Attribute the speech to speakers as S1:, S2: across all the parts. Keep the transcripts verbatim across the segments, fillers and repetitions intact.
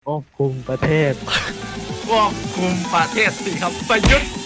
S1: ควบคุมประเทศ
S2: ควบคุมประเทศสิครับประยุทธ์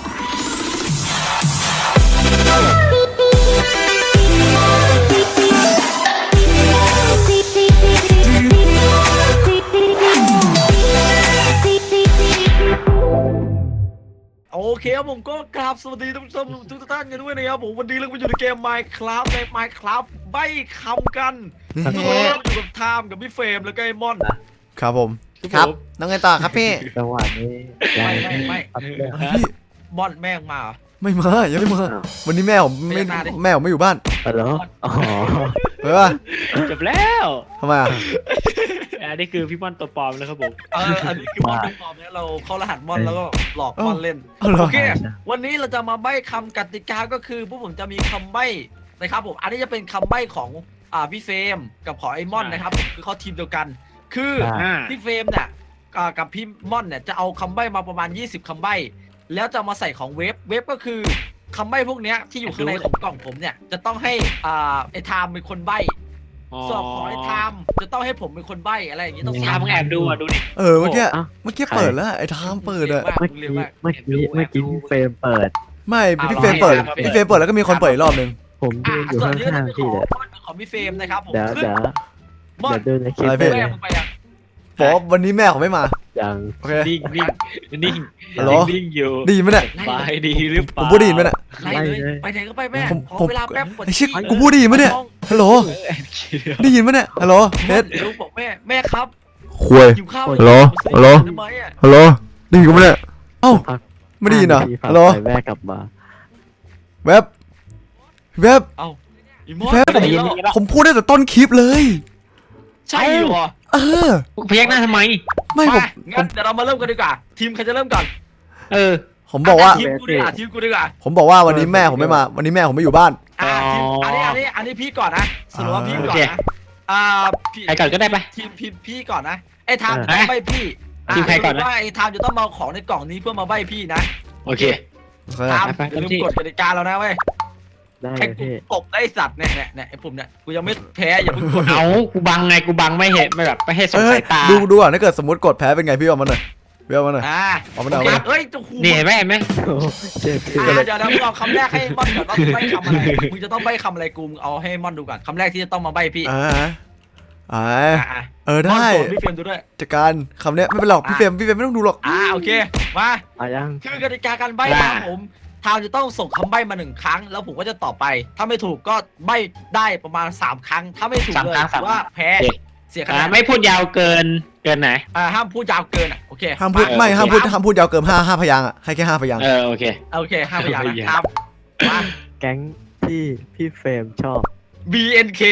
S2: โอเคครับผมก็กราบสวัสดีท่านผู้ชมทุกท่านกันด้วยนะครับผมวันนี้เราไปอยู่ในเกม Minecraft ใน Minecraft ใบ้คำกันทุกคนอยู่กับไทม์กับพี่เฟรมแล้วก็ไอ้ม่อน
S3: ครับผมครับน้องไงต่อครับพี่
S1: จังหวะนี้
S2: ไม่ไม่ไม่
S3: พี่
S2: ม่อนแม่งมา
S3: ไม่มายังไม่มาวันนี้แม่ผมไม่แม่ผมไม่อยู่บ้าน
S1: ฮัลโหลอ๋อ
S3: เฮ้ยป่ะ
S4: จบแล้ว
S3: ทำไมอ่ะ
S4: อันนี้คือพี่ม่อนตัวปลอมนะครับผม
S2: เอออันนี้คือม่อนตัวปลอมเนี่ยเราเข้ารหัสม่อนแล้วก็หลอกม่อนเล่นโอเควันนี้เราจะมาใบ้คำกติกาก็คือพวกผมจะมีคำใบ้นะครับผมอันนี้จะเป็นคำใบ้ของอ่าพี่เฟรมกับของไอ้ม่อนนะครับคือเขาทีมเดียวกันคือพี่เฟรมเนี่ยกับพี่ม่อนเนี่ยจะเอาคำใบ้มาประมาณยี่สิบคำใบ้แล้วจะมาใส่ของเวฟเวฟก็คือคำใบ้พวกนี้ที่อยู่ข้างในของกล่องผมเนี่ยจะต้องให้อ่าไอ้ไทม์เป็นคนใบ้สอบของไอ้ไทม์จะต้องให้ผมเป็นคนใบ้อะไรอย่างนี้ต้อง
S4: ไทม์แอบดูอ่ะดูดิ
S3: เออเมื่อกี้เมื่อกี้เปิดแล้วไอ้ไทม์เปิดอ่ะ
S1: เมื่อกี้เมื่อกี้เมื่อกี้พี่เฟรมเปิด
S3: ไม่พี่เฟรมเปิดพี่เฟรมเปิดแล้วก็มีคนเปิดอีกรอบนึง
S1: ผมยืนอยู่ข้างๆพี่เลย
S2: ของพี่เฟรมนะครับผม
S1: เดี๋ยวเดี๋ยวเดี๋ยวดูในคลิป
S3: เลยบอกวันนี้แม่ผมไม่มา
S1: ยัง
S3: โอเค
S4: นิ่งนิ่งนิ่งนิ่งอยู่
S3: ดีไหมเนี่ย
S4: ไปดีหรือเปล่า
S3: ผมพูดดีไหมเนี่ย
S2: ไปไปไหนก็ไปแม่ขอเวลาแป๊บ
S3: ไอ้ชิคกูพูดดีไหมเนี่ยฮัลโหลได้ยินไหมเนี่ยฮัลโหลเฮ็ด
S2: ลูกบอกแม่แม่ครับ
S3: คุยฮัลโหลฮัลโหลฮัลโหลได้ยินกูไหมเนี่ยเอ้าไม่ได้ยินเหรอฮัลโหล
S1: แม่กลับมา
S3: เว็บเว็บ
S2: เอ้า
S3: เว็บผมผมพูดได้แต่ต้นคลิปเลย
S2: ใช่เหรอ
S3: เออ
S4: พยักหน้าทำไม
S3: ไม่ผม
S2: งั้นเดี๋ยวเรามาเริ่มกันดีกว่าทีมใครจะเริ่มก่อน
S4: เออ
S3: ผมบอกว่า
S2: ทีมกูดีกว่าทีมกูดีกว่า
S3: ผมบอกว่าวันนี้แม่ผมไม่มาวันนี้แม่ผมไม่อยู่บ้าน
S2: อ่าทีมอันนี้อันนี้อันนี้พี่ก่อนนะสรุปว่าพี่ก่อนนะอ่า
S4: พี่ใครก่อนก็ได้ปะ
S2: ทีมพี่พี่ก่อนนะไอ้ไทม์ต้องใบพี่
S4: ทีมใครก่อนนะ
S2: ว่าไอ้ไทม์จะต้องมาของในกล่องนี้เพื่อมาใบพี่นะ
S4: โอเค
S2: ไทม์อย่าลืมกฎกติกาเรานะเว้ย
S1: ได้
S2: พี่ตบได้สัตว์เนี่ยเนี่ยเนี่ยไอ้ผมเนี่ยกูยังไม่แพ้อย่าเพิ่งกด
S4: เอากูบังไงกูบังไม่เห็นไม่แบบไม่ให้สงสัยตา
S3: ดูดูอ่ะถ้าเกิดสมมติกดแพ้เป็นไงพี่เอามาหน่อยพี่เอามาหน่อย
S2: อ่า
S3: เอามาหน่อย
S2: เฮ้ยจะขู่
S4: นี่เห็นไหมเห็นไหม
S1: เจ็บ
S2: เดี๋ยวเราเอาคำแรกให้ม่อนก่อนว่าใบคำอะไรมึงจะต้องใบคำอะไรกูเอาให้ม่อนดูก่อนคำแรกที่จะต้องมาใบพี่
S3: อ่าอ่าเออได้
S2: พี่เฟรมดูด้วย
S3: จัดการคำเนี้ยไม่เป็นหรอกพี่เฟรมพี่เฟรมไม่ต้องดูหรอก
S2: อ่าโอเคมา
S1: อ่ะยัง
S2: คือกติกาการใบนะผมทาวจะต้องส่งคำใบ้มาหนึ่งครั้งแล้วผมก็จะตอบไปถ้าไม่ถูกก็ใบ้ได้ประมาณสามครั้งถ้าไม่ถูกเลยถือว่าแพ้เสียคะแนน
S4: ไม่พูดยาวเกินเกินไหน
S2: อ่าห้ามพูดยาวเกินอ่ะโอเค
S3: ห้ามพูดไม่ห้ามพูดห้ามพูดยาวเกินห้าห้าพยางอ่ะให้แค่ห้าพยาง
S4: เออโอเค
S2: โอเคห้าพยางนะครับมา
S1: แก๊งที่พี่เฟรมชอบ
S2: บี เอ็น เค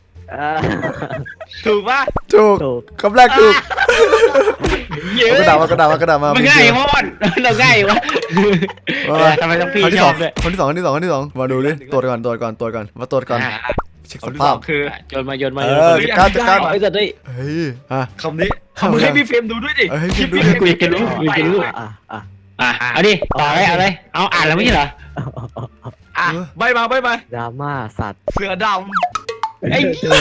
S2: ถูกปะ
S3: ถูกคำแรกถูกกระดาษมากระดาษมากระดาษมา
S4: มันง่ายมากเราง่ายวะทำไมต้องพี่ชอบเลย
S3: คนที่สองคนที่สองคนที่สองมาดูดิตรวจก่อนตรวจก่อนตรวจก่อนมาตรวจก่อนเช็คสภาพ
S2: คือ
S4: โยนมาโยนมา
S3: เออจัดการจัดการ
S4: ไอ้สัตว์ดิ
S3: เฮ้ยอ่ะ
S2: คำนี้คำให้พี่เฟรมดูด้วยดิ
S3: คลิป
S4: นี้คุยกันรู้คุยกันรู้อ่ะอ่ะอ่ะเอาดิต่อเลยเอาเลยเอาอ่านแล้วไม่ใช่เหรอ
S2: อ่ะใบมาใบมา
S1: ดราม่าสัตว์
S2: เสือดำ
S4: ไอ้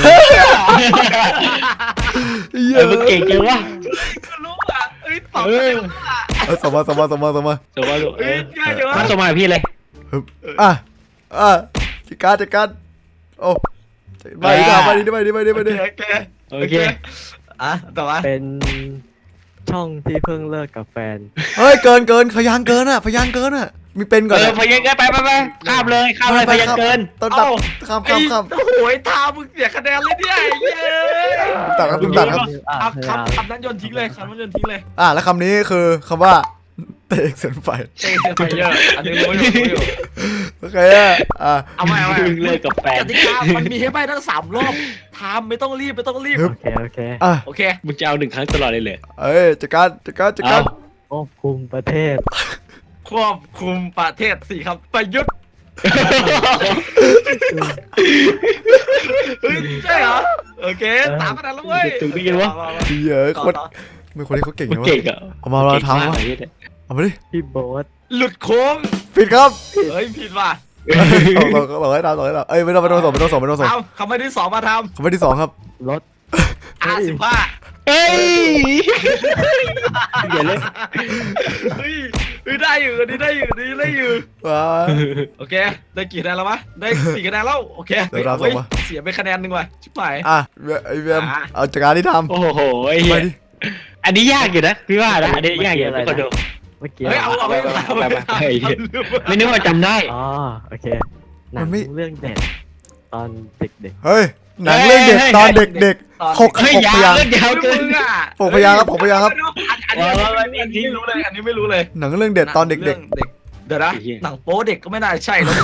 S4: เออมันเก่งจังวะ
S2: รู้อ่ะเอ้ยตอบ
S3: เออสมมาสมมาสมมาสมมา
S4: สมมาลูก
S2: เอ้ยง่ายจังวะ
S4: สมมาพี่เลย
S3: อ่ะอ่ะจัดการจัดการโอ้ไปดิไปดิไปดิไปดิไปดิ
S2: โอเค
S4: โอเค
S2: อ่ะต่อมา
S1: เป็นช่องที่เพิ่งเลิกกับแฟน
S3: เฮ้ยเกินเกินพยางเกินอ่ะพยางเกินอ่ะมีเป็นก่อน
S4: เออพยางเกินไปไปไปข้ามเลยข้ามเลยพยางเกิน
S3: ต้นตัดข้ามข้ามข้าม
S2: โอ้โหทามึงเสียคะแนนเลยเนี่ย
S3: ตัดครับตัดครับ
S2: คำคำนั้นโยนทิ้งเลยคำนั้นโยนทิ้งเลย
S3: อ่ะแล้วคำนี้คือคำว่าเตะเส้นไฟ
S2: เตะเส้นไฟเยอะอันนี้รู้อยู่รู้อยู่
S3: โอเคอ่ะ
S2: เอาใหม่เอาใหม่
S4: เลยกับแฟน
S2: กติกามันมีให้ใบทั้งสามรอบทำไม่ต้องรีบไม่ต้องรีบ
S1: โอเคโอเค
S3: อ่ะ
S2: โอเค
S4: มึงจะเอาหนึ่งครั้งตลอดเลยเลย
S3: เอ้ยจัดการจัดการจัดการ
S1: ควบคุมประเทศ
S2: ควบคุมประเทศสิครับประยุทธ์ใช่เหรอโอเคตามกันแล้วเว้ย
S4: ถูกดีกันวะ
S3: เยอะคนไม่คนนี้เขาเก่งนะวะเอามาเราทำวะเอามาดิ
S1: พี่โบ๊ท
S2: หลุดโค้ง
S3: ผิดครับ
S2: เฮ้ยผิดว่ะ
S3: ต่อต่อต่อให้ทำต่อให้ทำเอ้ยไม่ต้องไม่ต้องส่งไม่ต้องส่งไม่ต้องส่ง
S2: คำไม่ที่สองมาท
S3: ำคำไม่ที่สองครับ
S1: รถ
S2: อาสิบห้า
S4: เฮ้ยเดี๋ยวเลย
S2: เฮ้ยเฮ้ยได้อยู่อันนี้ได้อยู่อันนี้ได้อยู่
S3: ว้า
S2: โอเคได้กี่คะแนนแล้ววะได้สี่คะแนนแล้วโอเค
S3: เดี๋ยวเราส่
S2: เฮ้
S3: ง
S2: ย
S3: มา
S2: เสียไปคะแนนหนึ่งว่ะชิบหาย
S3: อ่ะไอเวียมเอาจากการที่ทำ
S4: โอ้โหไอ้เหี้
S3: ไป
S4: ย
S3: ดิ
S4: อันนี้ยากอยู่นะพี่ว่านะอันนี้ยากอยู่ทุกคนดู
S1: เมื่อกี้
S2: เฮ้ยเอาเอาไปเอาไป
S4: เฮ้ยไม่นึกว่าจำได้
S1: อ๋อโอเคหนังเรื่องเด็ดตอนเด็ก
S3: เฮ้ยหนังเรื่องเด็กตอนเด็กๆหก
S4: เฮ้ย
S3: หก
S4: ยา
S3: พ
S4: วย
S3: างค์
S4: เรื่องยาวเกิน
S2: มึงอ่ะ
S3: หกพยางค์ครับหกพยางค์ครับ
S2: อันนี้อันนี้อันนี้ไม่รู้เลยอันนี้ไม่รู้เลย
S3: หนังเรื่องเด็ดตอนเด็ก
S2: เรื่องเด็กเดี๋ยวนะหนังโป๊เด็กก็ไม่น่าใช่แล้ว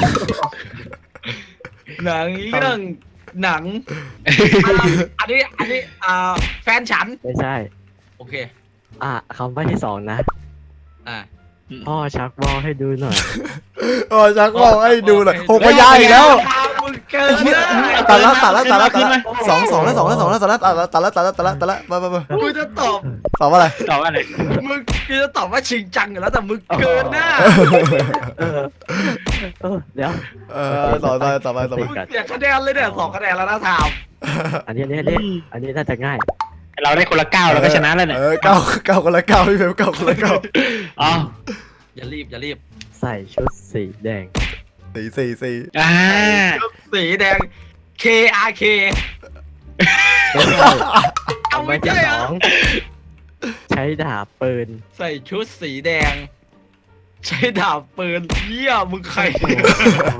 S2: หนังเรื่องหนังอันนี้อันนี้อ่าแฟนฉัน
S1: ๆไม่ใช่
S2: โอเค
S1: อ่ะคำใบ้ที่สองนะ
S2: อ่า
S1: พ่อชักว่าวให้ดูหน่อย
S3: ๆโอ้ชักบอกให้ดูหน่อยหกพยางค์อีกแล้ว
S2: มึงเกินนะ
S3: ตัดละตัดละตัดละตัดละสองสองแล้วสองแล้วสองแล้วตัดละตัดละตัดละตัดละตัดละตัดละมามามา
S2: กูจะตอบ
S3: ตอบว่าอะไร
S4: ตอบว่าอะไร
S2: มึงกูจะตอบว่าชิงจังอยู่แล้วแต่มึงเกินหน้า
S1: เออเออเดี๋ยว
S3: เออต่อไปต่อไปต่อไป
S2: มึงเสียคะแนนเลยเนี่ยสองคะแนนแล้วนะทาม
S1: อันนี้อันนี้อันนี้อันนี้น่าจะง่าย
S4: เราได้คนละเก้าเราก็ชนะแล้วเนี่ย
S3: เออเก้าเก้าคนละเก้าพี่เฟรมเก้าคนละเก้า
S4: อ๋อ
S2: อย่ารีบอย่ารีบ
S1: ใส่ชุดสีแดง
S3: สี่สี่สี่
S4: อ่า
S2: สีแดง K R K
S1: ไม่ใช่
S2: เอา
S1: คำ
S2: ไม่
S1: ใบ้ที่
S2: ใช่
S1: ส
S2: เหร
S1: อ
S2: อง
S1: ใช้ดาบปืน
S2: ใส่ชุดสีแดง ใช้ดาบปืนเยี่ยมึงใคร
S1: โอ้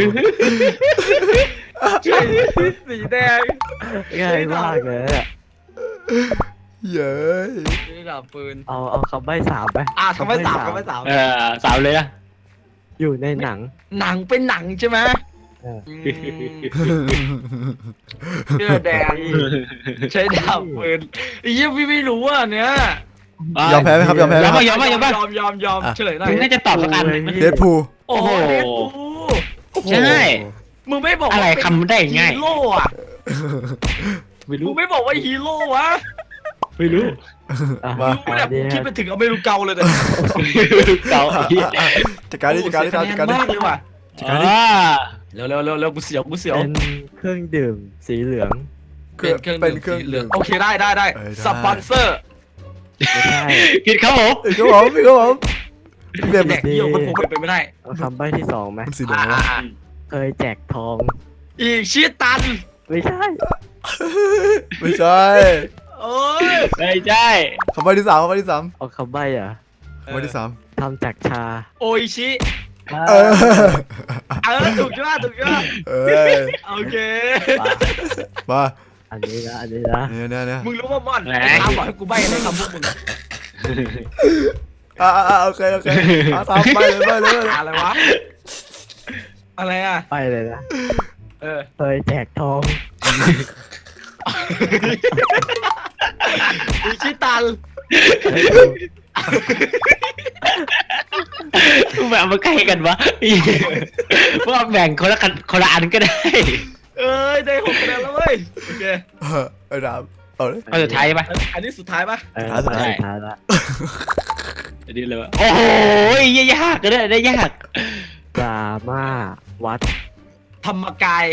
S2: ใช้ชุดสีแดง
S1: ง่ายมากเลยอะ
S3: เย้ย
S2: ใช้ดาบปืน
S1: เอาเอาคำใบ้สามไป
S2: อ่ะทำไมสามทำไมสาม
S4: เออสาวเลยนะ
S1: อยู่ในหนัง
S2: หนังเป็นหนังใช่ไหม
S1: เออ
S2: อืมเสื้อแดง ใช้ดาบปืนไอ้เหี้ยพี่ไม่รู้อ่ะเนี้ย
S3: ยอมแพ้ไหมครับยอมแพ้ไหม
S4: ยอม
S3: ครับ
S4: ป่ะยอมป่ะยอมป่ะ
S2: ยอมยอมยอมเฉลยหน่อย
S4: มึงน่าจะตอบสักอันหนึ่ง
S3: เดดพูล
S2: โอ้โหเดดพูล
S4: ใช่
S2: มึงไม่บอกว่า
S4: อะไรคำได้ง่าย
S2: ฮีโร่อะ
S4: ไม่
S2: มึ
S4: รู้
S2: งไม่บอกว่าฮีโร่วะ
S4: ไม่รู้
S1: อ่ะ
S3: มา
S2: มึงแบบ
S1: อันนี้
S2: คิดไปถึงอเมริกาเลยเนี่ย
S4: เก่า
S3: จัดการดิจัดการดิ
S2: โอ้โห
S3: จัดการดิ
S2: เสียคะแนนมากเลยว่ะ
S4: อ่า
S2: เร็วเร็วเร็วเร็วกูเสียวกูเสียว
S1: เป็นเครื่องดื่มสีเหลือง
S2: เป็นเครื่อง
S3: เป็น
S2: ดื่ม
S3: เครื่อง
S2: สีเหลืองโอเคได้ได้ได้
S3: เออได้
S2: สปอนเซอร์
S1: ไม่ใช่
S4: ผิดครับผม
S3: พี่ครับผมพี่ครับผมพี่เฟรม
S2: แดกเยี่ยวมันคงเป็นไปไม่ได้
S1: เอาคำใบ้ที่สองไหม
S3: มันสีเหลือง
S2: อ่าว
S3: ะ
S2: อ่า
S1: เคยแจกทอง
S2: อีกชีตัน
S1: ไม่ใช่
S3: ไม่ใช่
S2: โอ้ย
S4: ไม่ใช่
S3: คำใบ้ที่สามคำใบ้ที่สาม
S1: เอาคำใบ้อ่ะ
S3: คำใบ้ที่สาม
S1: ทำจากชา
S2: โออิชิ
S3: เออ
S2: เออถูกใช่ไหมถูกใช่ไหม
S3: เออ
S2: โอเค
S3: มา
S1: อันนี้นะอันนี้นะ
S3: เนี่ยเนี่ยเนี่ย
S2: มึงรู้ว่าม่อนไอ้ทามบอกให้กูใบ้อะไรคำพวกมึง
S3: อ่าอ่าโอเคโอเคอ่ะตามไปเลยไปเลยไปเลย
S2: อะไรวะอะไรอ่ะ
S1: ไปเลยนะ
S2: เออ
S1: เคยแจกทอง
S2: อีชิตัน
S4: แบบมาใกล้กันวะว่าแบ่งคนละกันคนละอันก็ได้
S2: เอ้ยได้หกคะแนนแล้วเว้ยโอเค
S3: เออไอ้ดามเอาเลย
S4: ข้อสุดท้ายปะ
S2: อันนี้สุดท้ายปะ
S1: เออ
S3: สุดท้าย
S1: สุดท้ายละ
S4: อันนี้เลยวะโอ้โหยากก็ได้ได้ยาก
S1: ดราม่าวัด
S2: ธรรมกาย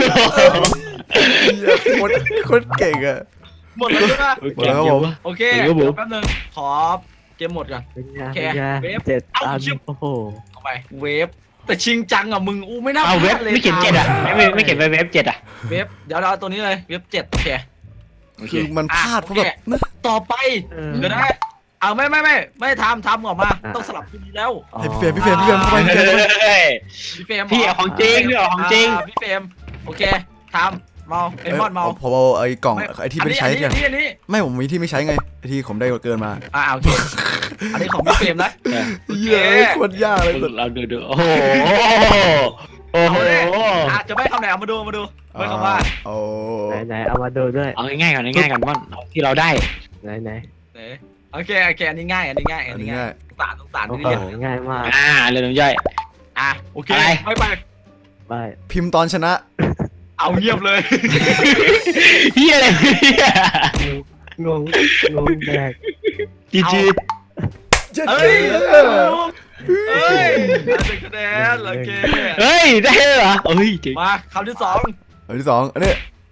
S3: เหี้ยโคตรโคตรเก่งอะ
S2: หมดแล้วใช่ปะ
S3: หมดแล้วครับผม
S2: โอเค
S4: เดี๋ยวผม
S2: เดี๋ยวแป๊บนึงขอเกมหมดก่อน
S1: เป็นไง
S2: โอเค
S1: เป็นไง
S2: เวฟ
S1: เจ็ด
S2: เอ้า
S1: อัน
S2: ชิบ
S1: โอ้โห
S2: เข้าไปเวฟแต่ชิงจังอ่ะมึงอู้ไม่น่า
S4: เอาเว็บ
S2: พลาดลย
S4: ไม่เขียนเจ็ดอ่ะไม่ไม่เขียนไปเว็บเจ็ดอ่ะ
S2: เวฟเดี๋ยวเราเอาตัวนี้เลยเวฟเจ็ดโอเค
S3: คือมันพลาดเพราะแบบนะ
S2: ต่อไป
S1: เออ
S2: เดี๋ยวนะเอาไม่ไม่ไม่ไม่ทำทำออกมา ต้องสลับทีนี้แล้ว
S1: อ๋อ
S3: ให้พี่เฟรมพี่เฟรมพี่เฟรมเข้าไปพี่เฟรมเข้าไป
S2: พี่เฟรม
S4: พี่เอาของจริงพี่เอาของจริง
S2: าพี่เฟรมโอเคทำเมาไอ้มอนเมา
S3: ผมเอาไอ้กล่องไอ้ที่ไม่ได้ใช้
S2: อัน
S3: กัน
S2: นี้อันนี้
S3: ไม่ผมมีที่ไม่ใช้ไงไอ้ที่ผมได้เกินมา
S2: อ่าโอเคอันนี้ของพี่เฟรมนะ
S3: เย้โคตรยากเลยสุด
S4: เราดูดูโอ้โหโอ้โห
S2: อาจจะไม่คำไหนเอามาดูมาดูไม่คำว่า
S3: โอ้
S1: ไหนไหนเอามาดูด้วย
S4: เอาง่ายๆก่อนง่ายๆก่อนว่าที่เราได้
S1: ไหนไหน
S2: ไหนโอเคโอเคอันนี้ง่ายอันนี้ง่าย
S3: อั
S2: อั
S3: น
S2: น
S3: นี้
S2: นี้ง่า
S3: ง่าย ย
S2: สงสารสงสาร
S1: โอ้
S2: นี่
S1: โห
S2: เนี่ย
S1: ง่ายมาก
S4: อ่าเรื่องน้ำย่อย
S2: อ่ะโอเค
S4: อะไร
S2: ไม่ไป
S1: ไป
S3: พิมพ์ตอนชนะ
S2: เอาเงียบเลย
S4: เฮียอะไรเนี่ย
S1: งงงงแดก
S4: จีจี
S2: เฮ้ยเฮ้ยได้เป็นคะแนนโอเค
S4: เฮ้ยได้เหรอเฮ้ยจริง
S2: มาคำที่สอง
S3: อันที่สองอันนี้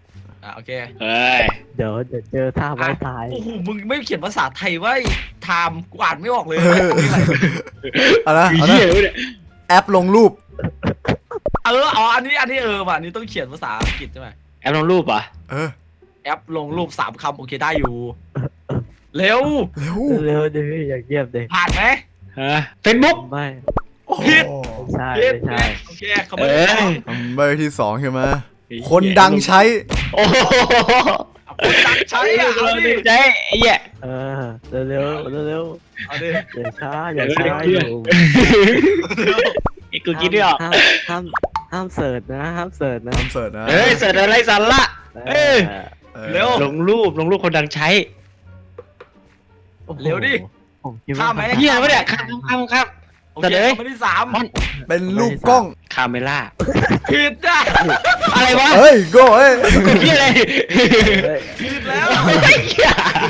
S2: อ่ะโอเค
S4: เอ้ย
S1: เดี๋ยวเดี๋ยวเจอท่าไม้ตาย
S2: โอ้โหมึงไม่เขียนภาษาไทยว่าไทม์กูอ่านไม่ออกเลย
S3: เอานะ
S4: คือ
S3: เอา
S4: เหี้ย
S3: นะ
S4: เลยเนี่ย
S3: แอปลงรูป
S2: เอออ๋ออันนี้อันนี้เออว่ะอันนี้ต้องเขียนภาษาอังกฤษใช่ไหม
S4: แอปลงรูปเหรอ่ะ
S3: เออ
S2: แอปลงรูปสามคำโอเคได้อยู่ เร็ว
S3: เร็ว
S1: เร็วดิพี่อย่าเงียบดิ
S2: ผ่านไหม
S4: ฮะเฟซบุ๊ก
S1: ไม่
S3: โอ้โห
S2: ผิด
S1: ไม่ใช่
S2: ผิด
S1: ไม่ใช่
S2: โอเคเขาไม่ได้
S4: เอ้ย
S3: ใบที่สองใช่ไหมคนดังใช้
S4: โอ้โห
S2: คนดังใช้อ่ะเอาดิ
S4: ใช่ไอ้เหี้ย
S1: เออเร็วเร็วเร็วเร็ว
S2: เอาดิ
S1: อย่าช้าอย่าช้าอยู่
S4: ไอ้กูคิดไม่ออก
S1: ห้ามห้ามห้ามเสิร์ชนะห้ามเสิร์ชนะ
S3: ทำเสิร์ชนะ
S4: เฮ้ยเสิร์ชอะไรสาระ เอ้ย
S3: ออ
S2: เร็ว
S4: ลงรูปลงรูปคนดังใช้
S1: โอ้โห
S2: เร็วดิ
S1: ผมคิดว่า
S2: ข้ามไหม
S4: เหี้ยวะเนี่ยข้ามข้ามข้าม
S2: โอ
S4: แต่
S2: เค
S4: เดี๋ยว
S2: คำที่สาม
S3: เป็นรูปกล้อง
S4: คาเมล่า
S2: ผิดอ่ะ
S4: อะไรวะ
S3: เฮ้ยโก้เอ้ย
S4: กูคิดอะไร
S1: เฮ้ย
S2: ผิดแล้ว
S4: ไอ้เหี้ย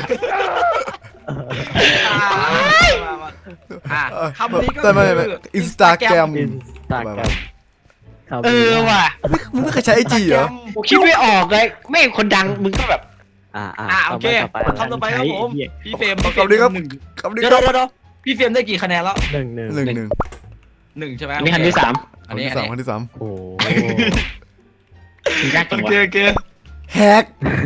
S2: อ่ามามาอ่ะคำนี้ก็
S3: แต่ไม่ไม่
S2: คือ
S3: อินสตาแกรม
S1: อินสตาแกรม
S4: เออว่ะ
S3: มึงไม่เคยใช้ไอจีเหรอ
S4: กูคิดไม่ออกเลยไม่คนดังมึงก็แบบ
S1: อ่าอ่า
S2: อ่ะโอเค
S1: ต่อไปต่อ
S2: คำต่อ
S1: ไป
S2: ไปครับผม
S4: ไอ้เหี้ย
S2: พี่เฟรมพี่เฟ
S3: คำนี้ครับ
S2: หนึ่ง
S3: คำนี้
S2: เดี๋ยว
S3: ครับ
S2: เดี๋ยวเดี๋ยวพี่เฟรมได้กี่คะแนนแล้ว
S1: หนึ่งหนึ่ง
S3: หนึ่งหนึ่ง
S2: หนึ่งใช่ไหม
S4: อันนี้คันที่สาม
S2: อันนี้
S3: ค
S2: อัน
S3: นที่สาม
S2: นี้
S3: คนที่สาม
S1: โอ้โห
S4: มึงยากจั
S2: โอง
S4: วะ
S2: เคโอเค
S3: แฮก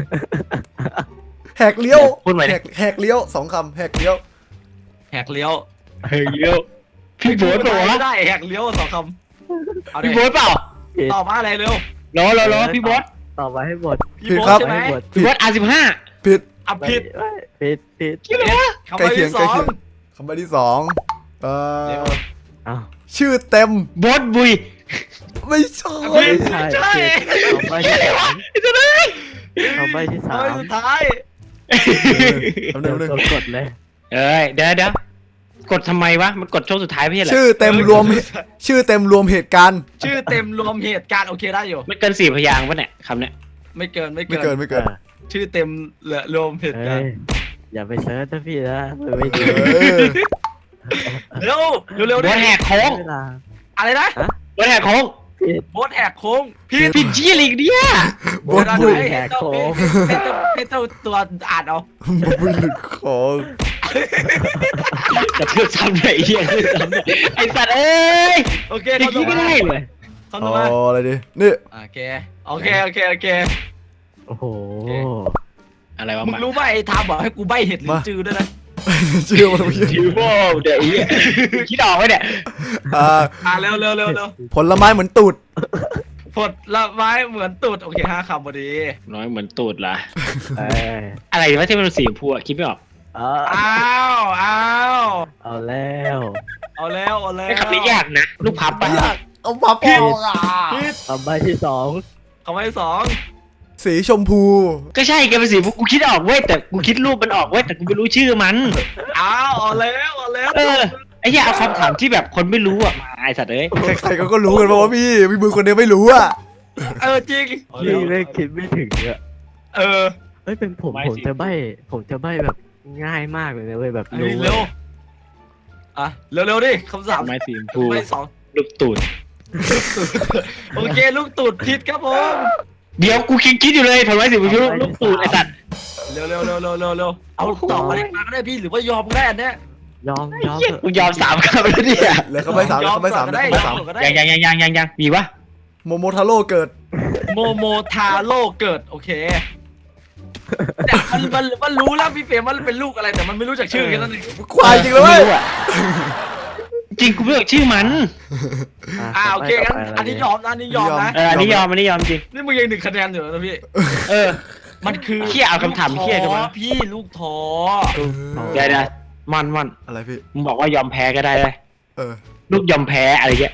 S3: แฮกเลี้ยว
S4: พูดใหม่ดิ
S3: แฮกแฮกเลี้ยวสองคำแฮกเลี้ยว
S2: แหกเลี้ยว
S4: เฮ้ยเลี้ยวพี่โบ๊ทเปล่าวะ
S2: ไม่ได้แหกเลี้ยวสองคำเอาดิ
S4: พี่โบ๊ทเปล่า
S1: ผิด
S2: ตอบมาอะไรเร็ว
S4: รอรอรอพี่โบ๊ท
S1: ต่อไปให้หมด
S2: พี่โบ๊ทใช่ไหม
S1: ให้หมด
S4: พี่โบ๊ทอาร์สิบห้า
S3: ผิด
S2: อ่ะผิด
S1: ผิดผิด
S4: คิดอะไรวะ
S2: คำ
S3: ใกล้
S2: ว่า
S3: เคียง
S2: ที่ส
S3: ใกล้
S2: อง
S3: เคียงคำใบที่สองเอ่
S2: เร็
S3: อ
S2: ว
S1: อ้าว
S3: ชื่อเต็ม
S4: โบ๊ทบุย
S3: ไม่ใช่
S2: ผิด
S1: ใช่
S2: ใช่
S1: ต่อไปที่สามต่อไปที่สา
S2: เอา
S1: ม
S2: สุดท้าย
S3: คำหนึ่งคำหนึ่ง
S1: กดกดเลย
S4: เอ้ยเดี๋ยวเดี๋ยวกดทำไมวะมันกดช่วงสุดท้ายไม่ใช่เหรอ
S3: ชื่อเต็มรวมชื่อเต็มรวมเหตุการณ์
S2: ชื่อเต็มรวมเหตุการณ์โอเคได้อยู่
S4: ไม่เกินสี่พยางค์ปะเนี่ยคำเนี้ย
S2: ไม่เกินไม่
S3: ไม่
S2: เกิ
S3: เกิน
S2: น
S3: ไม่เกิน
S2: ชื่อเต็มเหลือรวมเหตุ
S1: เอ้
S2: การ
S1: ย
S2: ณ์
S1: อย่าไปเซิร์ชนะพี่นะมันไม่ดี
S3: เออ
S2: เร็วเร็วเร็ว
S4: โบ๊ทแหกโค้ง
S1: เวลา
S2: อะไรนะ
S4: โบ๊ทแหกโค้ง
S1: ผิด
S2: โบ๊ทแหกโค้งผิด
S4: ผิดชี้อะไรอีกเนี่ย
S3: บดบุย
S2: ให้เจ้าให้เจ้าให้เจ้าตัวอ่านเอา
S3: บดบุยหลุดของ
S4: กระทืบซ้ำเลยไอ้เหี้ยกระทืบซ้ำเลยไอ้สัตว์เอ้ย
S2: โอเค
S4: อย่าง
S2: คำต่
S4: นี้
S2: อ
S4: ไม่
S2: มา
S4: ได้เลย
S2: คำ
S3: อ๋
S2: ต่
S3: อ
S2: อมา
S3: อะไรดินี่
S2: โอเคโอเคโอเคโอเค
S1: โอ้โห
S4: อะไรวะ
S2: มึง
S4: มัน
S2: รู้ป่ะไอ้ทามบอกให้กูใบเห็ดหรือจือด้วยนะ
S3: ชื่อมันไม่ใช่
S4: ทิวโบเดี๋ยวไอ้เหี้ยคิดออกไหมเนี่ย
S3: อ่า
S2: อ่าเร็วเร็วเร็วเร็ว
S3: ผลไม้เหมือนตูด
S2: ผลละไม้เหมือนตูดโอเคห้าคำพอดี
S4: น้อยเหมือนตูดล่ะ
S1: เอ้ย
S4: อะไรวะที่มันเป็นสีชมพูอะคิดไม่ออก
S1: เออ
S2: อ้าวอ้าว
S1: เอาแล้ว
S2: เอาแล้วเอาแล้ว
S4: ไอ้คำนี้ยากนะลูกพับปะ
S3: อยากเอามาพออ่ะ
S2: ผิด
S1: ต่อไปที่สอง
S2: คำว่าที่สอง
S3: สีชมพู
S4: ก็ใช่แกเป็นสีชมพูกูคิดออกเว้ยแต่กูคิดรูปมันออกเว้ยแต่กูไม่รู้ชื่อมัน
S2: อ้าวเอาแล้วเอาแล้ว
S4: เออไอ้เหี้ยเอาคำถามที่แบบคนไม่รู้อะมาไอ้สัตว์เอ้ย
S3: ใครๆก็ก็รู้กันว่าพี่พี่มือคนเดียวไม่รู้อ่ะ
S2: เออจริง
S1: พี่ไม่คิดไม่ถึงอะ
S2: เออ
S1: เฮ้ยเป็นผมผมจะใบผมจะใบแบบง่ายมากเลยนะเว้ยแบบ
S2: อัน
S1: รู้
S2: นี้เร็วอ่ะเร็วเร็วดิคำสาม
S4: ไม้สีชมพู
S2: คำว่าที่สอง
S4: ลูกตูด
S2: โอเคลูกตูดผิดครับผม
S4: เดี๋ยวกูคิดคิดอยู่เลยผลไม้สีชมพูลูกตูดไอ้สัตว์
S2: เร็วเร็วเร็วเร็วเร็วเร็วเอาตอบมาได้มาก็ได้พี่หรือว่ายอมก็ได้อันเนี้ย
S1: ยอมยอม
S4: เหี้ย
S1: เถอะ
S4: กูยอมสามคำแล้วเนี่ย
S3: เหลือคำใบสามเหลือคำใบสามเหลือคำใบสาม
S2: ก็ได้
S4: ยังยังยังยังยังยังมีวะ
S3: โมโมทาโร่เกิด
S2: โมโมทาโร่เกิดโอเคแต่มันมันมันรู้แล้วพี่เฟรมว่ามันเป็นลูกอะไรแต่มันไม่รู้จักชื่อแค่นั้นเอง
S3: ควายจริงเลยเว้ย
S4: ไม่รู้อะจริงกูไม่รู้ชื่อมัน
S2: อ่าโอเคงั้น
S1: ต่ไป
S2: อันนี้ยอมนะอันนี้ยอมนะ
S4: เอออันนี้ยอมอันนี้ยอมจริง
S2: นี่มึงยังหนึ่งคะแนนอยู่นะพี่
S4: เออ
S2: มันคือ
S4: เหี้ยเอาคำถามเหี้ยกันมา
S2: ลูกท้อพี่ลูกท้อ
S4: เดี๋ยวนะมันมัน
S3: อะไรพี่
S4: มึงบอกว่ายอมแพ้ก็ได้เลย
S3: เออ
S4: ลูกยอมแพ้อะไรเงี้ย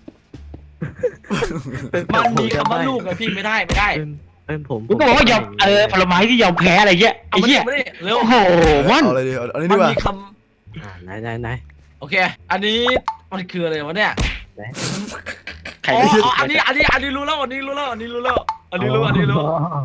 S1: เป็น
S2: มันมี
S1: ผจะ
S2: คำว่า
S1: ใบ้
S2: ลูกไงพี่ไม่ได้ไม่ได้
S1: เป็นเป็นผม
S4: มึงก็บอกว่ายอมเออผลไม้ที่ยอมแพ้อะไรเงี้ย
S2: เอา
S4: ไอ้
S2: มาดิ
S4: เหี้ย
S2: เอามาดิเร็ว
S4: โอ้โหมัน
S3: เอาอะไรดีเอาอันนี้
S2: มั
S3: ดี
S2: น
S3: กว่า
S2: มีค
S1: อ่าไหนไหนไหน
S2: ำโอเค อันนี้มันคืออะไรวะเนี่ย
S4: ใคร
S2: อ๋อ
S4: ไม่
S2: อ๋ออันนี้อันนี้อันนี้รู้แล้วอันนี้รู้แล้วอันนี้รู้แล้วอันนี้รู้อันนี้รู้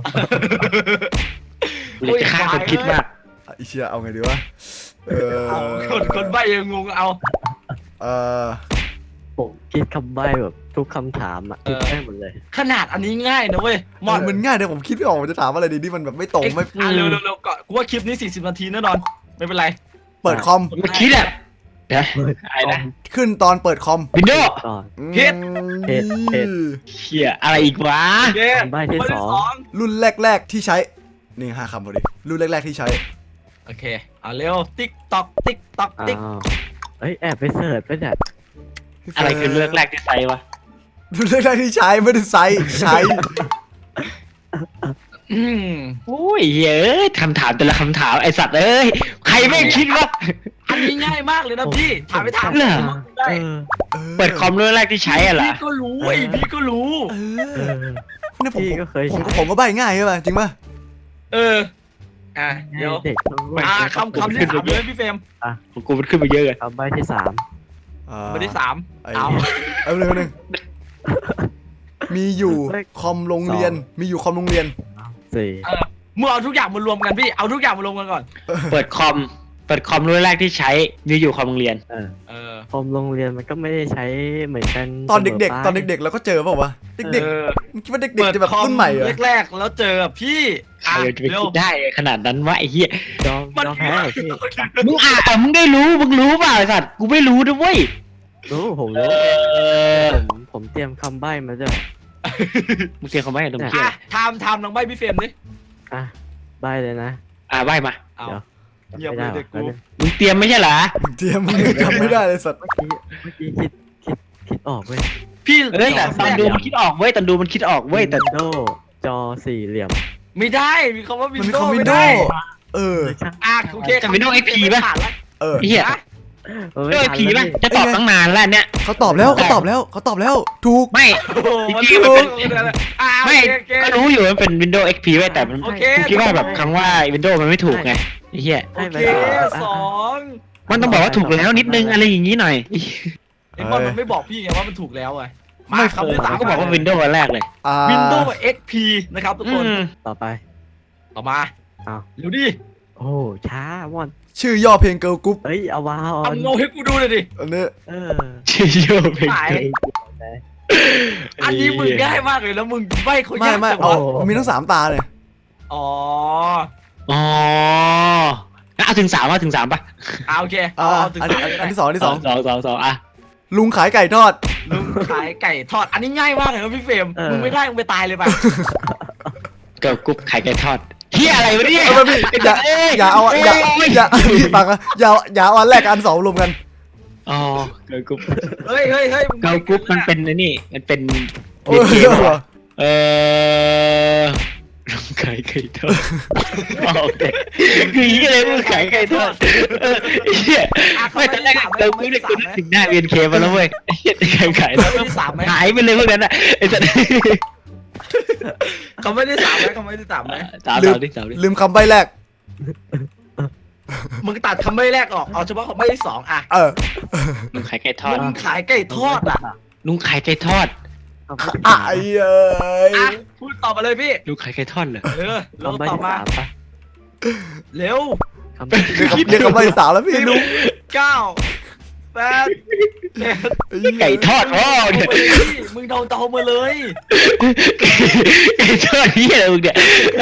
S4: กูอยากจะฆ่าคนคิดมาก
S3: อ่ะอีเชียเอาไงดีวะเออ
S2: เอาคนคนใบ้ยังงงเอา
S3: เออ
S1: ผมคิดคำใบ้แบบทุกคำถามอ่ะคิดได้หมดเลย
S2: ขนาดอันนี้ง่ายนะเว้ยมอน
S3: มันง่ายแต่ผมคิดไม่ออกมันจะถามอะไรดีที่มันแบบไม่ตรงไม่
S2: อ่ะเร็วเร็วเร็วก่อนกูว่าคลิปนี้สี่สิบนาทีแน่นอนไม่เป็นไร
S3: เปิดคอม
S4: เมื่อกี้แหละเดี๋ยวอะไรนะ
S3: ขึ้นตอนเปิดคอม
S4: วินโดว์
S1: ก่อน
S2: ผิด
S1: ผิดผิด
S4: เชี่ยอะไรอีกวะ
S2: โอเค
S1: คำใบ้ที่สอง
S2: ง
S3: รุ่นแรกๆที่ใช้นี่ห้าคำพอดีรุ่นแรกๆที่ใช้
S2: โอเคเอาเร็วติ๊กตอกติ๊กตอก
S1: อ้า
S2: ติ๊ก
S1: วเอ้ยแอบไปเสิร์ชไปเนี่ย
S4: อะไรคือเลือกแรกที่ใส่วะ
S3: รุ่นแรกๆที่ใช้ไม่ได้ใช้ใช้
S2: อืม
S4: โอ้ยเฮ้ยคำถามแต่ละคำถามไอสัตว์เอ้ยใครไม่คิดว่า
S2: อันนี้ง่ายมากเลยนะพี่ถามไปถาม
S4: เหรอ
S2: ได้
S1: เออ
S4: เปิดคอมเรื่องแรกที่ใช้อะเหรอ
S2: พี่ก็รู้ไอพี่ก็รู้
S3: เอ
S1: เอ
S3: อ
S1: อ
S3: เนี่ยผม
S1: พี่ก็เคย
S3: ผม
S1: ใช้
S3: ผมก็ใบง่ายใช่ป่ะจริงป่ะ
S2: เอออ่ะเดี๋ยว
S1: เด็กต้องรู้
S2: อ่าคำคำที่สามเลยพี่เฟรม
S4: ของกูมันขึ้นมาเยอะเลย
S1: คำใบ้ที่สาม
S3: อ่า
S2: คนที่สาม
S3: ไอ้
S2: เอา
S3: เอาหนึ่งหนึ่งมีอยู่คอมโรงเรียนมีอยู่คอมโรงเรียน
S1: สี่
S2: เออมึงเอาทุกอย่างมารวมกันพี่เอาทุกอย่างมารวมกันก่อน
S4: เปิดคอมเปิดคอมเรื่องแรกที่ใช้มีอยู่คอมโรงเรียน
S1: เออ
S2: เออ
S1: คอมโรงเรียนมันก็ไม่ได้ใช้เหมือนกัน
S3: ตอนเด็ก
S1: สม
S3: ๆ
S1: ไป
S3: ตอนเด็กๆเราก็เจอเปล่าวะเด็ก
S2: เออ
S3: ๆมึงคิดว่าเด็ก
S2: เปิด
S3: ๆจะแบบ
S2: คอม
S3: รุ่นใหม่เหรอ
S2: แรกๆแล้วเจอพี่
S4: ใคร
S2: อ่ะ
S4: จะไป
S2: เร็ว
S4: คิดได้ขนาดนั้นวะไอ้เหี้ย
S1: ยอมยอมแพ้เหรอพี่
S4: มึงอ่านมึงได้รู้มึงรู้เปล่าไอ้สัตว์กูไม่รู้ด้วยเว้ย
S1: รู้ผม
S4: เอ
S1: รู้
S4: อ
S1: ผมผมเตรียมคำใบ้มาด้วย
S4: มึงเตรียมคำใบ้ตรงเชี่ย
S2: อ่ะไทม์ไทม์น้องใบพี่เฟรมดิ
S1: อ่ะใบ้เลยนะ
S4: อ่าใบ้มา
S2: เอา
S1: เดี๋ยว
S2: เงียบเลยเด็กกู
S4: มึงเตรียมไม่ใช่เหรอ
S3: เตรียมมึงยังจำไม่ได้เลยสัตว์
S1: เมื่อกี้เมื่อกี้คิดคิดคิดออกเว้ย
S2: พี่
S4: เอ้ยแต่ตอนดู
S2: แรก
S4: มันคิดออกเว้ยตอนดูมันคิดออกเว้ยแต่
S1: โดจอสี่เหลี่ยม
S2: ไม่ได้มีคำว่าวิ
S3: มัน
S2: น
S3: มี
S2: โด
S3: คอม
S2: ว์
S3: วิ
S2: ไม่
S3: นโด
S2: ได้
S3: ว์เออ
S1: เลยช่าง
S2: อ่ะโอเค
S4: แต่ Windows เอ็กซ์พี ป่ะ
S2: ผ่านละ
S3: เออ
S4: ไอ้เหี้ย
S2: นะ
S1: เออ
S4: เอ้ย
S1: ทัน
S4: ผี
S1: แล้ว
S4: ป่ะ
S1: พี่
S4: จะตอบตั้งนานแล้วเนี่ย
S3: เขาตอบแล้วเขาตอบแล้วเขาตอบแล้วถูก
S4: ไม่
S2: โอ้โหมัน
S4: จริงๆ
S2: รู้
S4: มันเป็น
S2: อ่ะโอ
S4: ไม่
S2: เคโอเค
S4: ก็รู้อยู่ว่ามันเป็น Windows เอ็กซ์ พี ไว้ยแต่มัน
S2: โอเค
S4: กูคิดว่าแบบคำว่า Windows มันไม่ถูกไงไอ้เหี้ย
S2: โอ
S1: ให้ไป
S2: เค
S1: ต่อ
S2: สอง
S4: มันต้องบอกว่าถูกแล้วนิดนึงอะไรอย่างงี้หน่อย
S2: ไอ้บอลมันไม่บอกพี่ไงว่ามันถูกแล้วไงมา
S3: ไม่
S2: คำที่สาม
S4: ก็บอกว่า Windows อันแรกเลย
S3: อ่า
S2: วินโดว์เอ็กซ์พีนะครับทุกคน
S4: อืม
S1: ต่อไป
S2: ต่อมา
S1: อ้าว
S2: เร็วดิ
S1: โอ้ช้าว่อน
S3: ชื่อย่อเพลงเกิร์ลกรุ๊ป
S1: เอ้ยเอาวาออ
S2: เอา
S1: น
S2: โงให้กูดูเลยดิ
S3: อันนี้
S1: เออ
S4: ชื่อโยเพลง
S2: หาย อันนี้มึงง่ายมากเลยแล้วมึงใบเขา
S3: ไม่
S2: ยาก
S3: ไม่
S2: จัง
S3: เอา
S2: วะ
S3: มีทั้งสามตาเลย
S2: อ๋อ
S4: อ๋องั้นเอาถึงสามว่าถึงสามป่ะ
S2: อ่าโอเค
S3: อ่า
S2: เอาเอาถึง
S3: อัน
S2: สามก็
S3: อั
S2: ได้
S3: นที่สองอันที่สอง
S4: สองสองสองอ่ะ
S3: ลุงขายไก่ทอด
S2: ลุงขายไก่ทอด อันนี้ง่ายมากเลยนะพี่เฟรมมึงไม่ได้มึงไปตายเลยป่ะ
S4: เกิร์ลกรุ๊ปไข่ไก่ทอดเฮียอะไรวะเนี่ย
S3: เออพี่อย่าอย่าเอาอย่าอย่าพี่ฟังอะอย่าอย่าเอาอันแรกกับอันสองรวมกัน
S4: อ๋อเกิร์ลกรุ๊ป
S2: เฮ้ยเฮ้ยเฮ้ยมึง
S4: เกิร์ลกรุ๊ปมันเป็นไอ้นี่มันเป็น
S3: โอ้
S4: เรียน
S3: ย
S4: เกมเหรอเออลุงขายไก่ทอดโอเคคืออย่างนี้เลยลุงขายไก่ทอดเออเฮีย
S2: อ่ะ
S4: ไม่ตอนแรกเกิร์ลกรุ๊ปเนี่ยกูนึกถึงหน้าเรียนเคมาแล้วเว้ยเฮียไก่ขาย
S2: เขาไม่ได้สามไหม
S4: หายไปเลยพวกนั้นอ่ะไอ้สัตว์
S2: เขาไม่ได้สามไหมเขาไม่ได้สามไหม
S4: สามสามดิสามดิ
S3: ลืมคำใบแรก
S2: มึงตัดคำใบแรกออกเอาเฉพาะคำใบที่สองอ่ะ
S3: เออ
S4: ลุงขายไก่ทอด
S2: มึงขายไก่ทอดอ่ะ
S4: ลุงขายไก่ทอด
S1: คำใบ้ที่
S3: อ่ะ
S1: สาม
S3: ไอ้เอ้ย
S2: อ่ะพูดต่อมาเลยพี่
S4: ลุงขายไก่ทอดเหรอ
S2: เออเรา
S1: คำใบ้
S2: ต่อ
S1: ที่
S2: มา
S1: สามปะ
S2: เร็ว
S1: คำใบ้ที่
S3: เรียกคำเรียกคำใบสาวแล้วพี่ลุง
S2: เก้าแปดเจ็ด
S4: ไก่ทอดพ่อ
S2: เอา
S4: เนี่ย
S2: มาเลยพี่มึงเดาเดามาเลย
S4: ไก่ทอดนี่อะไรมึงเนี่ย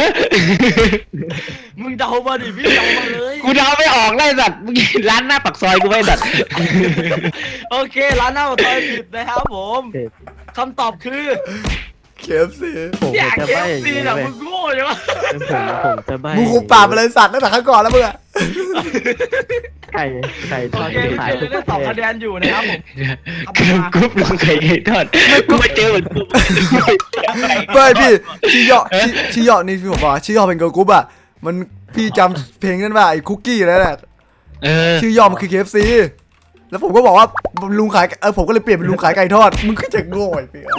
S2: มึงเดามาดิพี่เดามาเลย
S4: กูเดาไม่ออกเลยสัตว์มึงร้านหน้าปักซอยกูไม่สัตว์
S2: โอเคร้านหน้าปากซอยผิดนะครับผมคำตอบคือ
S3: เคฟซี
S1: ผม
S2: เนี่ย
S1: จะ
S2: เค
S1: ใบ้
S2: ฟ
S1: อย่าง
S2: ซี
S1: นี้
S2: นะ
S1: เว้ย
S2: มึงโง่ใช่ไหม
S1: ผมผมจะใบ้
S3: มึงคุมปากไปเลยสัตว์ตั้งแต่ครั้งก่อนแล้วมึงอะ
S1: ไก่ไก่ท
S2: โอ
S1: อด
S2: เค
S1: ที่
S2: พี่
S1: ขาย
S2: เฟร
S1: ทุ
S2: ม
S1: กประเทศ
S2: ได้สองคะแนนอยู่นะครับผม
S4: กรุ๊ปกรุ๊ปลุงไก่ไก่ทอดกูมาเจอเหมือนกู
S3: เฮ้ยพี่ชื่อย่อชื่อชื่อย่อนี่พี่ผมบอกว่าชื่อย่อเป็นเกิร์ลกรุ๊ปอะมันพี่จำเพลงนั้นว่าไอ้คุกกี้นั่นแหละ
S4: เออ
S3: ชื่อย่อมันคือ เค เอฟ ซี แล้วผมก็บอกว่าลุงขายเออผมก็เลยเปลี่ยนเป็นลุงขายไก่ทอดมึงก็จะโง่ไอ้เปีย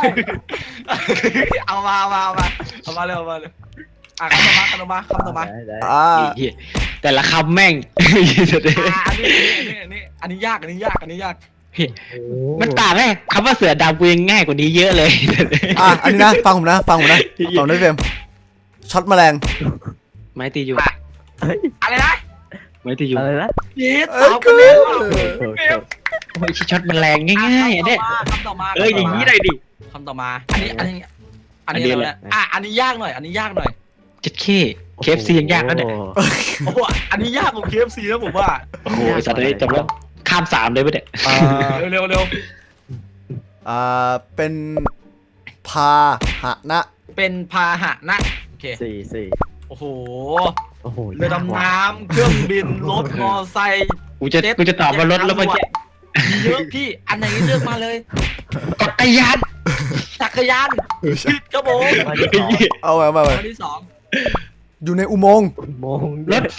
S2: เอามาเอามาเอามาเอามาเร็วเอามาเร็วอ่ะคำต่อมาคำต่อมาคำต่อมา
S1: ได้ได้
S3: อ่า
S4: แต่ละคำแม่ง
S2: อ่ะอันนี้อันนี้อันนี้อันนี้ยากอันนี้ยากอันนี้ยาก
S1: โอ้
S4: มันต่างไหมคำว่าเสือดำกูยังง่ายกว่านี้เยอะเลย
S3: อ่ะอันนี้นะฟังผมนะฟังผมนะฟังด้วยเฟรมช็อตแมลง
S4: ไม้ตีอยู่
S1: เฮ้ย
S2: อะไรนะ
S4: ไม้ตีอยู่
S1: อะไรนะ
S2: ยีด
S3: เอ้
S2: สาวย คะแนนว่ะ
S1: โอเค
S2: เฟรม
S4: โอ้ยช็อตมันแรงง่ายๆอ่ะเนี่ย
S2: คำต่อมา
S4: เอ้ยอย่างนี้เลยดิ
S2: คำต่อมาอันนี้อันนี้อันนี้อะไรนะอ่ะอันนี้ยากหน่อย อันนี้ยากหน่อย
S4: จัดเข้เคฟซียังยากแล้วเนี่ย
S2: โอ้โหอันนี้ยากกว่า เค เอฟ ซี นะผมว่า
S4: โอ้โหสัตว์เลยจบแล้วข้ามสามเลยปะเนี่ย
S3: อ่า
S2: เร็วเร็วเร็ว
S3: อ่าเป็นพาหนะ
S2: เป็นพาหะนะโอเค
S1: สี่สี่
S2: โอ้โห
S1: โอ้โห
S2: เรือดำน้ำเครื่องบินรถมอไซค์
S4: กูจะกูจะตอบว่ารถแล้วมันจะ
S2: มีเยอะพี่อันไหนเลือกมาเลย
S4: จักรยาน
S2: จักรยานผิดครับผม
S1: ข้อที่สอง
S3: เอาไว้มาไว้
S2: ข้อที่สอง
S3: อยู่ในอุโมงค์
S1: โมง
S4: รถไฟ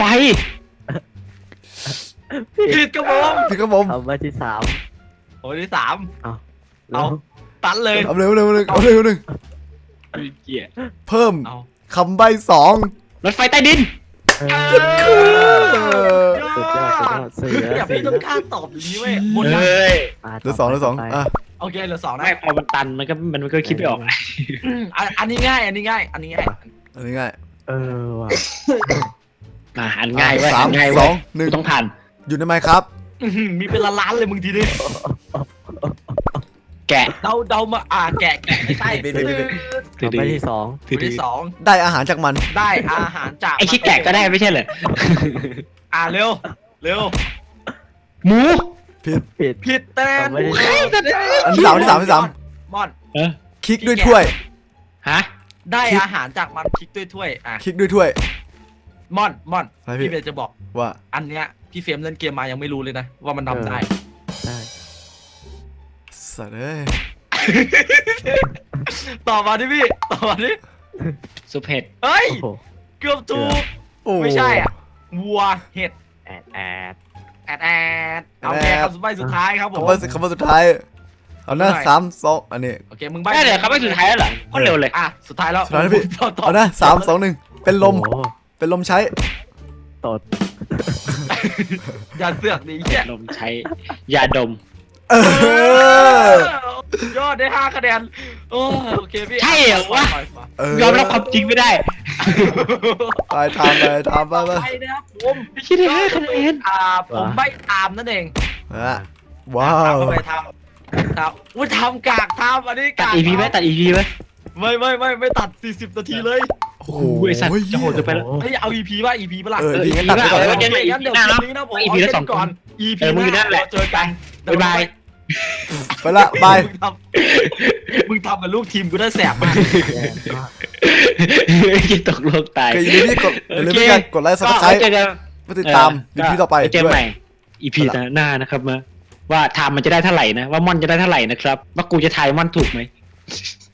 S2: ผิดครับผม
S3: พี่ครับผม
S1: คำใบ้ที่สาม
S2: ข้อที่สาม
S1: เอา
S2: เอา ตันเลย
S3: เอาเร็วเร็วเร็วเอาเร็วหนึ่ง
S4: เกีย
S3: เพิ่ม
S2: เอา
S3: คำใบ้สอง
S4: รถไฟใต้ดิน
S1: เอ
S2: เอ
S1: อ
S2: อ
S1: สุดยอดสุดยอดสี่
S2: อ
S1: แล้ว
S2: ย่า
S1: สี่
S2: พี่ต้
S1: แล้
S2: อง
S1: ว
S2: กล้าตอบอย่างนี้เว้ยหมดยัง
S4: เฮ้ย
S1: อ่ะ
S3: เหลือสองเหลือสอง
S1: ต่ไป
S3: อ่ะ
S2: โอเคเหลือสองนะ
S4: ไม่พอมันตันมันก็มันก็คิดไม่ออก
S2: อืมอันอันนี้ง่าย อันนี้ง่าย อันนี้ง่าย
S3: อันนี้ง่าย
S1: เออว่ะ
S4: อ่าอันง่ายเว้ย
S3: สา
S4: อั
S3: ม
S4: นง่าย
S3: ส
S4: เว้
S3: อย งหนึ่ง
S4: กูต้องผ่าน
S3: อยู่ในไมค์ครับ
S2: อื้อหือมีเป็นล้านๆเลยมึงทีนี้
S4: แกะ
S2: เดาเดามาอ่าแกะแกะไม่ใช่
S3: บิดบิดบิดบิด
S1: คำใบ้ที่สอง
S2: ข้อที่สอง
S3: ได้อาหารจากมัน
S2: ได้อาหารจาก
S4: ไอชิดแกะก็ได้ไม่ใช่เหรอ
S2: อ่าเร็ว เร็ว
S4: หมู
S1: ผิด
S2: ผิดแต้
S1: คำใบ้ที่สอง
S3: อันที่สามอันที่สามอันที่สาม
S2: มอน
S4: เออ
S3: คลิกด้วยถ้วย
S4: ฮะ
S2: ได้อาหารจากมันคลิกด้วยถ้วยอ่ะ
S3: คลิกด้วยถ้วย
S2: มอนมอน
S3: อะไรพี่
S2: พี่เบลจะบอก
S3: ว่า
S2: อันเนี้ยพี่เฟรมเล่นเกมมายังไม่รู้เลยนะ ว่ามันทำได้
S1: ได้
S3: สัตว์เอ้ย
S2: ต่อมาดิพี่ ต่อมาดิ
S4: ซุปเห็ด
S2: เฮ้ย
S1: โอ้โห
S2: เกือบถูก
S3: โอ้
S2: ไม่ใช่อ่ะ วัว เห็ด
S1: แอดแอด
S2: แอดแอดเอาแค่คำสุดท้ายสุดท้ายครับผม
S3: คำว่าคำว่าสุดท้าย เอานะ
S2: ได้
S3: สามสองอันนี้
S2: โอเค มึงใบ
S4: ได้เลยครับไม่สุดท้ายแล้วเหรอก็เร็วเลย
S2: อ่ะ สุดท้ายแล้ว
S3: สุดท้ายแล้วพี่
S2: ต่อต่อ
S3: เอานะสามสองหนึ่งเป็นลม
S1: โอ้โห
S3: เป็นลมใช้
S1: ตด
S2: อย่าเสือกดิเหี้ย
S4: ลมใช้ยาดม
S3: เออ
S2: ยอดได้ห้าคะแนนโอ้โอเคพี่
S4: ใช่เหรอวะ
S2: ไปไป
S3: เออย
S4: อมรับความจริงไม่ได้
S3: ไปทำไปทำไปไป
S2: ไปนะครับผม
S4: ไม่ใช่ได้คะแนน
S2: อ่าผมใบตามนั่นเอง
S3: อ่ะว้า
S2: ทำ
S3: ว
S2: เข้าไปทำทำอุ้ยทำกากทำอันนี้
S4: ตัด
S2: กาก
S4: อีพีไหมตัดอีพีไหม
S2: ไม่ไม่ไม่ไม่ตัดสี่สิบนาทีเลย
S3: โอ้โห
S4: ไอสัตว์จะโหดเกินไปแล้ว
S2: เฮ้ยเอา อี พี ป่ะ อี พี ป่ะล่ะ
S3: เออดีงั้นตัดไปก่อน
S4: เอ
S3: เล
S4: อ
S3: ย
S4: เดี๋ยว
S2: งั้นเดี๋ยว
S4: หน้า
S2: คลิ
S4: เนาะ
S2: ปนี้นะผม
S4: อี
S2: เอา
S4: พีละ
S2: แค่
S4: สอง
S2: นี้ก่อน อี
S4: เอ
S2: พี
S4: อมึงอยู่นั่นแหละ
S2: เจอกัน
S4: บ๊ายบาย
S3: ไปละบาย
S2: มึงทำมึงทำกับลูกทีมกูได้แสบมาก
S1: แย่มาก
S4: จะตกโลกตาย
S3: ก็อย่าลืมที่กดอย่าลืมที่กดไลค์ซับสไคร
S4: ก็
S3: ต์
S4: เจอกัน
S3: เพื่อติดตามอีพีต่อไป
S4: เจอ
S3: ด้ว
S4: ให
S3: ย
S4: ม่ อีพีหน้านะครับมาว่าไทม์มันจะได้เท่าไหร่นะ ว่าม่อนจะได้เท่าไหร่นะครับ ว่ากูจะทายม่อนถูกไหม